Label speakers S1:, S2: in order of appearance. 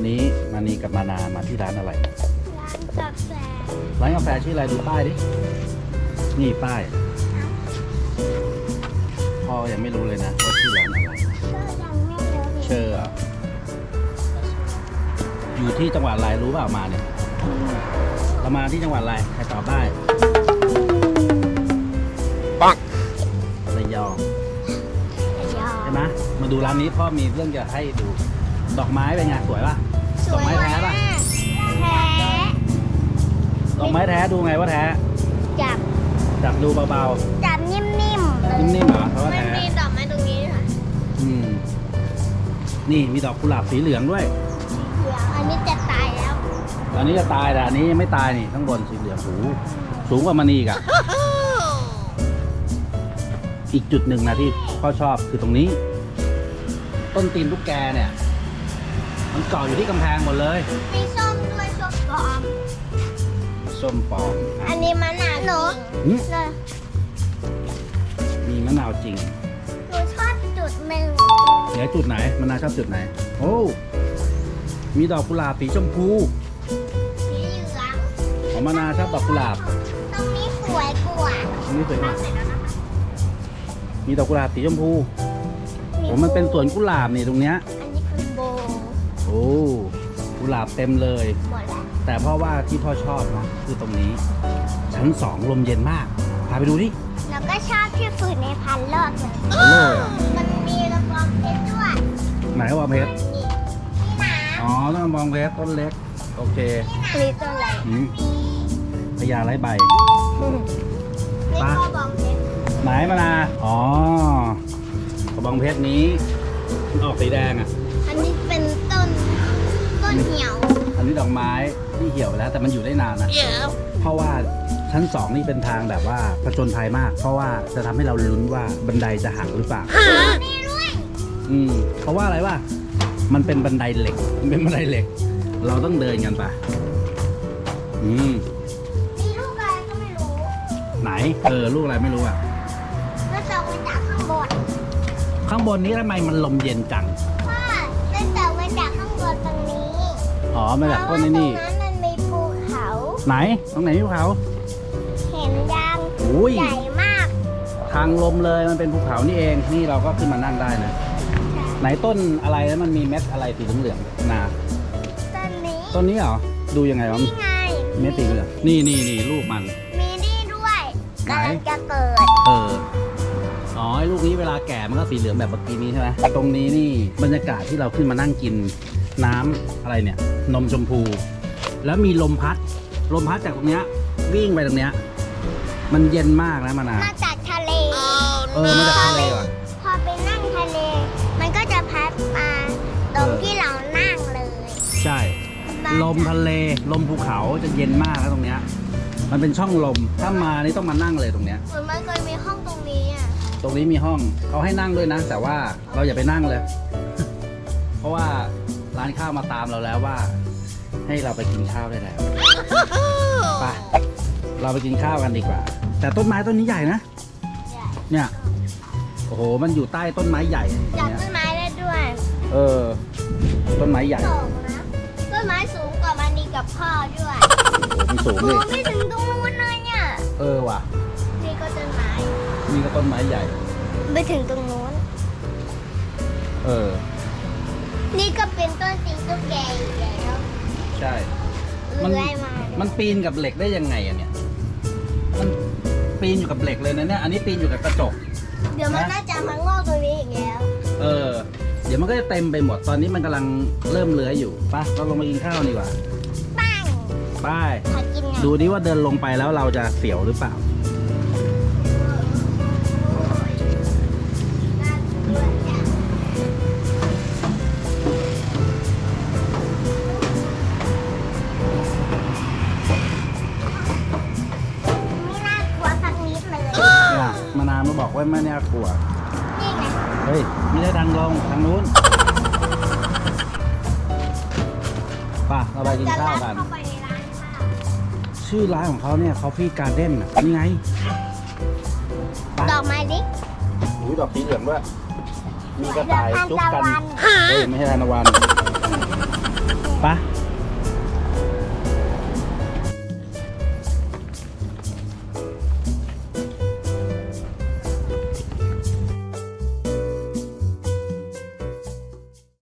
S1: วันนี้มานีกับมานามาที่ร้านอะไร
S2: ร้านกาแฟ
S1: ร้านกาแฟชื่ออะไรดูป้ายดิ นี่ป้ายพ่อยังไม่รู้เลยนะว่าชื่อร้านอะไร
S2: ก็ยังไม่รู้
S1: เชอร์อะอยู่ที่จังหวัดอะไรรู้เปล่ามาเนี่ยเรามาที่จังหวัดอะไรใครตอบได้ปังระยองใช่ไหมมาดูร้านนี้พ่อมีเรื่องจะให้ดูดอกไม้เป็นไงสวยป่ะดอกไม้แท้ป่ะ
S2: แท้
S1: ดอกไม้แท้ดูไงว่าแท้
S2: จับ
S1: ดูเบา
S2: จับนิ่มๆ
S1: ๆนิ่มๆเหรอเพราะว่า
S2: มัน
S1: แท้
S2: มีดอกไม้ตรงนี้ค่ะ
S1: นี่มีดอกกุหลาบสีเหลืองด้วย
S2: เหลืองอันนี้จะตายแล้ว
S1: อันนี้จะตายแต่อันนี้ยังไม่ตายนี่ข้างบนสีเหลืองสูงกว่ามันอีกอ่ะ อีกจุดหนึ่งนะที่พ่อชอบคือตรงนี้ ต้นตีนลูกแกเนี่ย มันเกาะอยู่ที่กำแพงหมดเลย
S2: มีส้มด้วยส้มปลอม
S1: ส้มปลอม
S2: อันนี้มะนาวหนู
S1: หึ
S2: เลย
S1: มีมะนาวจริง
S2: หนูชอบจุดหนึ่ง
S1: เดี๋ยวจุดไหนมะนาวชอบจุดไหน โอ้มีดอกกุหลาบสีชมพู
S2: สีเหลือง
S1: ของมะนาวชอบดอกกุหลาบ
S2: ตรงนี้สวยกว่า
S1: อันนี้สวยมาก
S2: เสร็จแล้วนะคะ
S1: มีดอกกุหลาบสีชมพูโอ้มันเป็นสวนกุหลาบนี่ตรงเนี้ย
S2: อันนี้คือโบว์
S1: โอ้กุหลาบเต็มเลย
S2: หมดแล้ว
S1: แต่พ่อว่าที่พ่อชอบนะคือตรงนี้ ชั้น2ลมเย็นมากพาไปดูดิ
S2: แล้วก็ชอบที่ฝืนในพันรอบเลย
S1: โอ้โห
S2: มันมีระบองเพชรด้วย
S1: ไหนว่าเพชร
S2: นี่น้
S1: อ๋อต้องมองเพชรต้นเล็กโอเค
S2: ำนี่ตัวอะไร
S1: อืมพญาไร้ใบ
S2: นี่กระบองเพชร
S1: ไหนมานาอ๋อกระบองเพชรนี้มันออกสีแดงอ่ะ
S2: อันนี้เป็นต้นเหี่ยว
S1: อันนี้ดอกไม้ที่เหี่ยวไปแล้วแต่มันอยู่ได้นานนะเพราะว่าชั้น2นี่เป็นทางแบบว่าผจญภัยมาก เพราะว่าจะทำให้เราลุ้นว่าบันไดจะหักหรือเปล่า
S2: นี่ด้วย
S1: เพราะว่าอะไรวะมันเป็นบันไดเหล็ก มันเป็นบันไดเหล็ก เราต้องเดินกันไป
S2: มีลูกอะไรก็ไม่รู้
S1: ไหนลูกอะไรไม่รู้อ่ะ
S2: ก็จะมาจากข้างบน
S1: ข้างบนนี้ทำไมมันลมเย็นจัง
S2: ว่าจะจะมาจากข้างบนตรงนี้
S1: อ๋อมาจากต้นนี่
S2: เพราะว่าตรงนั้นมันมีภูเขา
S1: ไหนตรงไหนภูเขา
S2: เห็นยัง
S1: อุ้ย
S2: ใหญ่มาก
S1: ทางลมเลยมันเป็นภูเขานี่เองนี่เราก็ขึ้นมานั่งได้นะไหนต้นอะไรแล้วมันมีเม็ดอะไรสีเหลืองๆนา
S2: ต้นนี้
S1: ต้นนี้เหรอดูยังไงวะ
S2: นี่ไง
S1: เม็ดสีเหลืองนี่ลูกมัน
S2: มีนี่ด้วย
S1: ไหน
S2: กำลังจะเกิด
S1: อ๋อไอ้ลูกนี้เวลาแก่มันก็สีเหลืองแบบเมื่อกี้นี้ใช่ไหมตรงนี้นี่บรรยากาศที่เราขึ้นมานั่งกินน้ำอะไรเนี่ยนมชมพู แล้วมีลมพัดจากตรงเนี้ยวิ่งไปตรงเนี้ยมันเย็นมากนะมานา
S2: มาจากทะเล
S1: มาจากทะเลว่ะ
S2: พอไปนั่งทะเล มันก็จะพัดมาตรงที่เรานั่งเลย
S1: ใช่ลมทะเลลมภูเขาจะเย็นมากนะตรงเนี้ยมันเป็นช่องลมถ้ามานี่ต้องมานั่งเลยตรงเนี้ย
S2: เหมือนมันเคยมีห้องตรงนี้อ่ะ
S1: ตรงนี้มีห้องเขาให้นั่งด้วยนะ แต่ว่าเราอย่าไปนั่งเลย เพราะว่าร้านข้าวมาตามเราแล้วว่า ให้เราไปกินข้าวได้แล้วไปเราไปกินข้าวกันดีกว่า แต่ต้นไม้ต้นนี้ใหญ่นะเนี่ยโอ้โหมันอยู่ใต้ต้นไม้ใหญ่อ
S2: จับ
S1: ย่างเงี้ย
S2: ต้นไม้ได้ด้วย
S1: ต้นไม้ใหญ่
S2: สูงนะต้นไม้สูงกว่ามันดีกับพ่อด้วย
S1: มันสูง
S2: สู
S1: ดิ
S2: งไม่ถึงตรงนู้นเลยเนี่ย
S1: ว่ะ
S2: นี่ก็ต้นไม้
S1: นี่ก็ต้นไม้ใหญ่
S2: ไม่ถึงตรงนู้น นี่ก็เป็นต้นตีนตุ๊กแกอีกแล้ว
S1: ใช่ มัน
S2: เลื้อยมา
S1: มันปีนกับเหล็กได้ยังไงอะเนี่ยมันปีนอยู่กับเหล็กเลยนะเนี่ยอันนี้ปีนอยู่กับกระจก
S2: เดี๋ยวมันน่าจะมางอกตรงนี้อีกแล้ว
S1: เดี๋ยวมันก็จะเต็มไปหมด ตอนนี้มันกำลังเริ่มเลื้อยอยู่ไปเราลงมากินข้าวดีกว่า
S2: ปัง
S1: ไป
S2: ขอกินหน่อย
S1: ดูดิว่าเดินลงไปแล้วเราจะเสียวหรือเปล่า
S2: ไม่น่ากลัวสักนิดเลย
S1: เนี่ยมานาวมาบอกว่าไม่น่ากลัว
S2: นี่ไง
S1: เฮ้ย ไม่ได้ทางลงทางนู้นป่ะเราไปกิน
S2: จะ
S1: ข้าว
S2: รับ
S1: กัน
S2: เข้าไปในร้านข้าว
S1: ชื่อร้านของเขาเนี่ย Coffee Garden อ่ะนี่ไงไป
S2: ดอกไม้ดิ
S1: อุ้ยดอกสีเหลืองด้วยมีกระต่ายจุ๊บกัน
S2: ดอกทานตะวัน
S1: เฮ้ย ไม่ใช่ทานตะวัน
S2: เนี่ย
S1: ไป